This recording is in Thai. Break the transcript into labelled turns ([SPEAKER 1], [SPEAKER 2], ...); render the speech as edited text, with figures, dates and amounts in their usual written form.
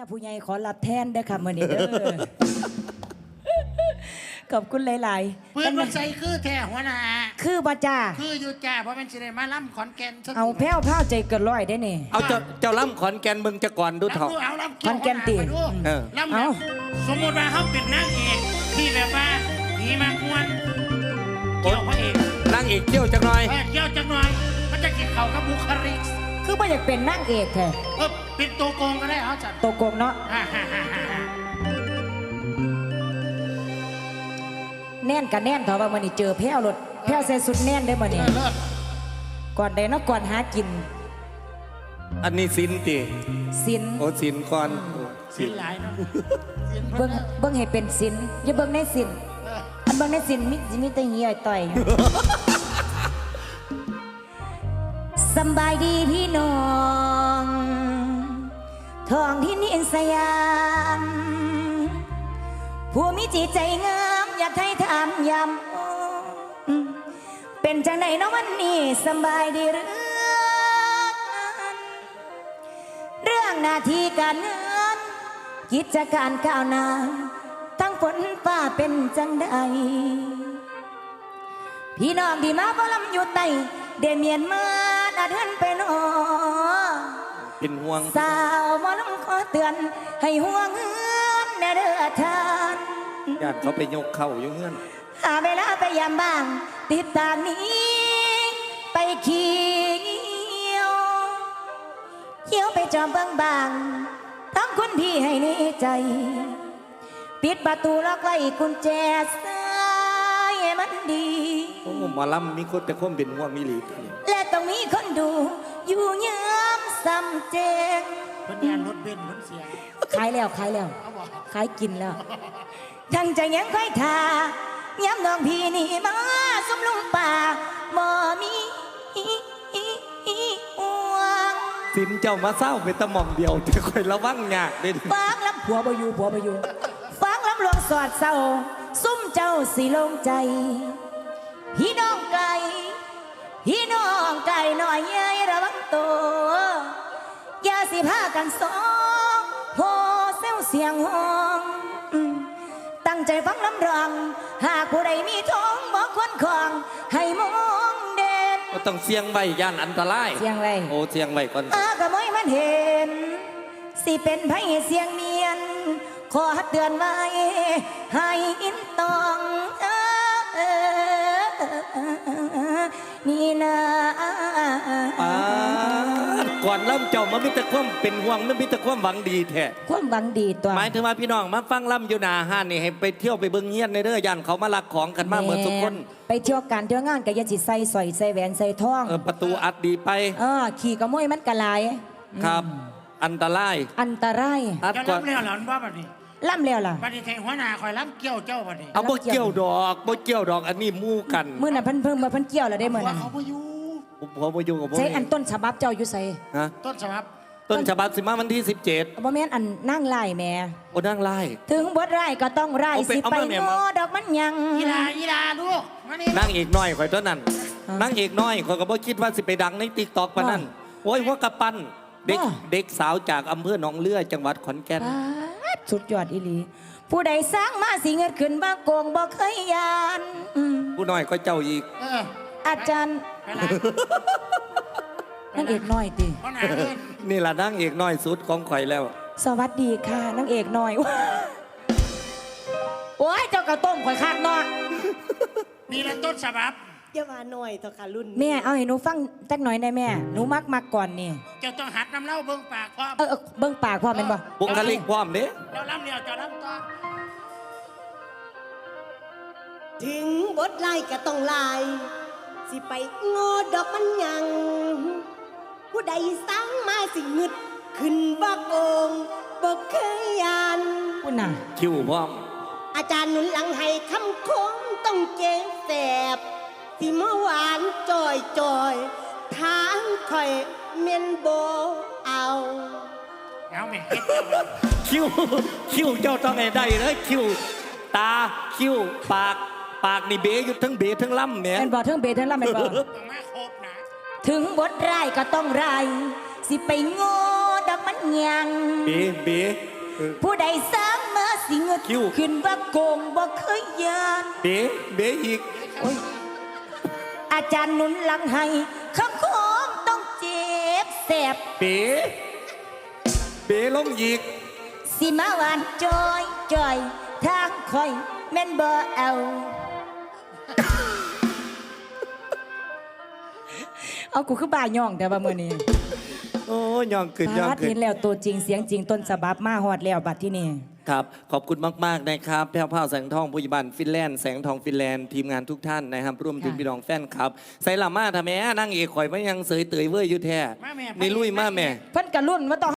[SPEAKER 1] ผู้ใหญ่ขอรับแทนเด้อค่ะมื้อนี้เด้อ ขอบคุณหลายๆ
[SPEAKER 2] เพื่อนมันใส่คือแท้หัวหน้า
[SPEAKER 1] คือบ่จ้า
[SPEAKER 2] คืออยู่จ้าเพราะมันสิได้มาล่ำขอนแก่น
[SPEAKER 1] เอาแพ้วผ้าใจเกินร้อยได้นี่
[SPEAKER 3] เอาเจ้าล่ำขอนแก่นมึงจะก่อนดูเถอะ
[SPEAKER 2] เอาล่ำ
[SPEAKER 1] ขอนแก่นติ
[SPEAKER 2] ล่ำแบบสมมติว่าเขาเป็นนางเอกที่แบบว่าผีมากวนเกี่ยวพระเอก
[SPEAKER 3] นั่งอีกเที่ยวจังหน่อย
[SPEAKER 2] เกี่ยวจังหน่อยมันจะเกี่ยวเขากับบุคลิก
[SPEAKER 1] คือบ่อยากเป็นนางเอกแท้
[SPEAKER 2] เป็นตัวโกงก็ได้เอาจัด
[SPEAKER 1] โตโกงเนาะแน่นกับแน่นเถอะว่ามื้อนี้เจอแพ้วรถแพ้วใส่สุดแน่นได้อมื้อนี้
[SPEAKER 2] เลิศ
[SPEAKER 1] ก่อนใดเนาะก่อนหากิน
[SPEAKER 3] อันนี้สินติ
[SPEAKER 1] สิน
[SPEAKER 3] โอ้สินก่อน
[SPEAKER 2] สินหลายเนาะ
[SPEAKER 1] เบิ่งให้เป็นสินอย่าเบิ่งในสินอันเบิ่งในสินมีแต่เหี่ยต่อยอยู่ สำบายดีพี่น้องท้องที่นิสยามผู้มีจิตใจงามอยากให้ถามยำเป็นจังไหนเนาะวันนี้สำบายดีหรือเรื่องหน้าที่การงานกิจการก้าวหน้าทั้งฝนฟ้าเป็นจังใดพี่น้องที่มาบ่ลำอยู่ใต้เดเมียนมาดาเดินไปนอ
[SPEAKER 3] เป็นห่วง
[SPEAKER 1] สาวหมอลำขอเตือนให้ห่วงเฮือนแน่เด้อทาน
[SPEAKER 3] ญาติเขาไปยกเข่าอยู่เงื่อน
[SPEAKER 1] หาเวลาไปยามบ้าง ติดตามนี้ไปเขียวเขียวไปจอมเบิ่งบางทั้งคนที่ให้ในใจ ปิดประตูล็อกไว้กุญแจสายให้มันดี
[SPEAKER 3] โอ้หมาล่ำมีคนแต่คนเป็นห่วงมีหลีก
[SPEAKER 1] และต้องมีคนดู อยู่ยามซ้ำเจง
[SPEAKER 2] เพิ่นงานรถเบนซ์เพิ่นเสีย
[SPEAKER 1] ขายแล้วขายแล้ว
[SPEAKER 2] เขาบอก
[SPEAKER 1] ขายกินแล้ว ทั้งใจยังค่อยทาย้ำน้องพี่นี่มาสมลุงป่าบ่มีห่วง
[SPEAKER 3] สินเจ้ามาเศร้าเป็นตะหม่อมเดียวแต่คอยระวังยากเด่น
[SPEAKER 1] ฟังลำผัวบ่อยู่ผัวบ่อยู่ฟังลำหลวงสอดเศร้าซุ่มเจ้าสิลงใจ พี่น้องไกลพี่น้องไกลหน่อยเย้ยระวังตัวอย่าสิพากันสองโหเซลเสียงห้องตั้งใจฟังลำรองหากผู้ใดมีท้องบอกคนของให้มองเด่น
[SPEAKER 3] ก็ต้องเสียงไว้ย่านอันตราย
[SPEAKER 1] เสียงไร
[SPEAKER 3] โอ้เสียงไว้ก่อน
[SPEAKER 1] กะมอยมันเห็น สิเป็นไผเสียงเมียน ขอเตือนไว้ให้อินตองนี่นะ
[SPEAKER 3] ก่อนล่ำเจ้ามันมีแต่ความเป็นห่วงมันมีแต่ความหวังดีแท้
[SPEAKER 1] ความหวังดีตัว
[SPEAKER 3] หมายถึงว่าพี่น้องมาฟังล่ำอยู่หนาห้านนี่ให้ไปเที่ยวไปเบิ่งเงี้ยนในเด้อย่านเขามาลักของกันมาเหมือนทุกคน
[SPEAKER 1] ไปเที่ยวการเที่ยวงานก็อย่าสิใส่สร้อยใส่แหวนใส่ทอง
[SPEAKER 3] ประตูอัดดีไป
[SPEAKER 1] ขี่กระมอยมันกระลาย
[SPEAKER 3] ครับ อันตราย
[SPEAKER 1] อันตราย
[SPEAKER 3] อัด
[SPEAKER 2] จะ
[SPEAKER 3] ก่อน
[SPEAKER 2] รับเรื่องหลอนว่าแบบนี้
[SPEAKER 1] ล่ำแล้วล่ะ
[SPEAKER 2] บัดนี้แทงหัวหน้าคอยรับเกี่ยวเจ้าบัดนี้
[SPEAKER 3] เอาบ่เกี่ยวดอกบ่เกี่ยวดอกอันนี้มู่กัน
[SPEAKER 1] มื้อนั้นเพิ่นมาเพิ่นเกี่ยวแล้วได้มื้อ
[SPEAKER 2] ว่า
[SPEAKER 1] นั้น
[SPEAKER 2] เขาบ่อยู่
[SPEAKER 3] ผมบ่อยู่กับผม
[SPEAKER 1] ใช้อันต้นฉบับเจ้าอยู่ใส่
[SPEAKER 3] ฮะ
[SPEAKER 2] ต้นฉบับ
[SPEAKER 3] ต้นฉบับสิมาวันที่17
[SPEAKER 1] บ่แม่นอันนั่งไล่แหม่
[SPEAKER 3] โอ้นั่งไล่
[SPEAKER 1] ถึงบทไร่ก็ต้องไร่
[SPEAKER 3] เอาไป
[SPEAKER 1] สิ
[SPEAKER 3] เอา
[SPEAKER 1] ไป
[SPEAKER 3] มาแม่
[SPEAKER 1] โง่
[SPEAKER 3] มา
[SPEAKER 1] ดอกมันยัง
[SPEAKER 2] อีลาลูกมานี่
[SPEAKER 3] นั่งเอกน้อยข่อยตัวนั้นนั่งเอกน้อยข่อยก็บ่คิดว่าสิไปดังใน TikTok ปานนั้นโอ้ยหัวกระปั้นเด็กสาวจากอำเภอหนองเลือจังหวัดขอนแก่น
[SPEAKER 1] ป๊าดสุดยอดอีหลีผู้ใดสร้างมาสิเงินขึ้นบ้าโกงบ่เคยยาน
[SPEAKER 3] ผู้น้อยก็เจ้าอีก
[SPEAKER 1] อาจารย์
[SPEAKER 2] ไปละ
[SPEAKER 1] นางเอกน้อยติ
[SPEAKER 2] หัวหน้าเอิ้น
[SPEAKER 3] นี่ล่ะนั่งเอกน้อยสุดของข่อยแล้ว
[SPEAKER 1] สวัสดีค่ะนางเอกน้อย โอ้ยเจ้ากระต้มข่อยคาดเนาะ
[SPEAKER 2] นี่แหละต้นฉบับ
[SPEAKER 4] อย่ามาหน่อยเถอะค่ะรุ่น
[SPEAKER 1] แม่เอาให้หนูฟังจักหน่อยได้แม่หนูมักก่อนนี่
[SPEAKER 2] เจ้าต้องหัดน้ำเล่าเบิ่งปากพร้อม
[SPEAKER 1] เบิ่งปากพ่อแม่นบ่
[SPEAKER 3] บุคลิกพร้อมเด้
[SPEAKER 2] เราล่ำเดียวเจ้าล่ำต่อ
[SPEAKER 4] ถึงบทไล่ก็ต้องไล่สิไปโง่ดอกมันยัง ผู้ใดสั่งมาสิงึด ขึ้นว่าโกงบอกเคยยาน
[SPEAKER 1] คุณน่ะ
[SPEAKER 3] คิวพร้อม
[SPEAKER 4] อาจารย์หนุนหลังให้คำคมต้องเจ๊แสบสิเมื่อวานจอยทางคอยเมนโบเอา
[SPEAKER 2] เอาแม่เฮ็ดเจ้าเลย
[SPEAKER 3] คิวเจ้าต้องให้ได้เลยคิวตาคิวปากนี่เบอยู่ทั้งเบทั้งล่ำแหม่
[SPEAKER 1] แม่นบ่เทิงเบเทิงล่ำแม่นบ่
[SPEAKER 2] ต้องมาครบนะ
[SPEAKER 1] ถึงบทไร่ก็ต้องไร่สิไปโง่ดอกมันยัง
[SPEAKER 3] เบ
[SPEAKER 1] ผู้ใดสร้างมาสิเงิด
[SPEAKER 3] คิ้ว
[SPEAKER 1] ขึ้นว่าโกงบ่เคยยาน
[SPEAKER 3] เบ๋อีก
[SPEAKER 1] อาจารย์หนุนหลังให้คำคมต้องเจ็บแสบ
[SPEAKER 3] เบ๋ลงอีก
[SPEAKER 1] สิมาหวานจอยจอยทางคอยแม่นบ่เอา เอากูคือบ่าย่องแต่ว่ามื้อนี้
[SPEAKER 3] โอ้ย่องขึ้นย่อง
[SPEAKER 1] พาด
[SPEAKER 3] ขึ้
[SPEAKER 1] เห็
[SPEAKER 3] น
[SPEAKER 1] นแล้วตัวจริงเสียงจริงต้นฉบับมาฮอดแล้วบัดที่นี่
[SPEAKER 3] ครับ ขอบคุณมากๆนะครับแพ้วพราวแสงทองผู้ใหญ่บ้านฟินแลนด์แสงทองฟินแลนด์ทีมงานทุกท่านนะครับร่วมถึงพี่น้องแฟนครับใส่ละมาทำแม่นั่งเอกข่อยไม่ยังเสยเตยเว้ยอยู่แท้
[SPEAKER 2] มาแม่
[SPEAKER 3] นี่ลุยมาแม่
[SPEAKER 1] เพิ่นกะรุ่นว่าต้อง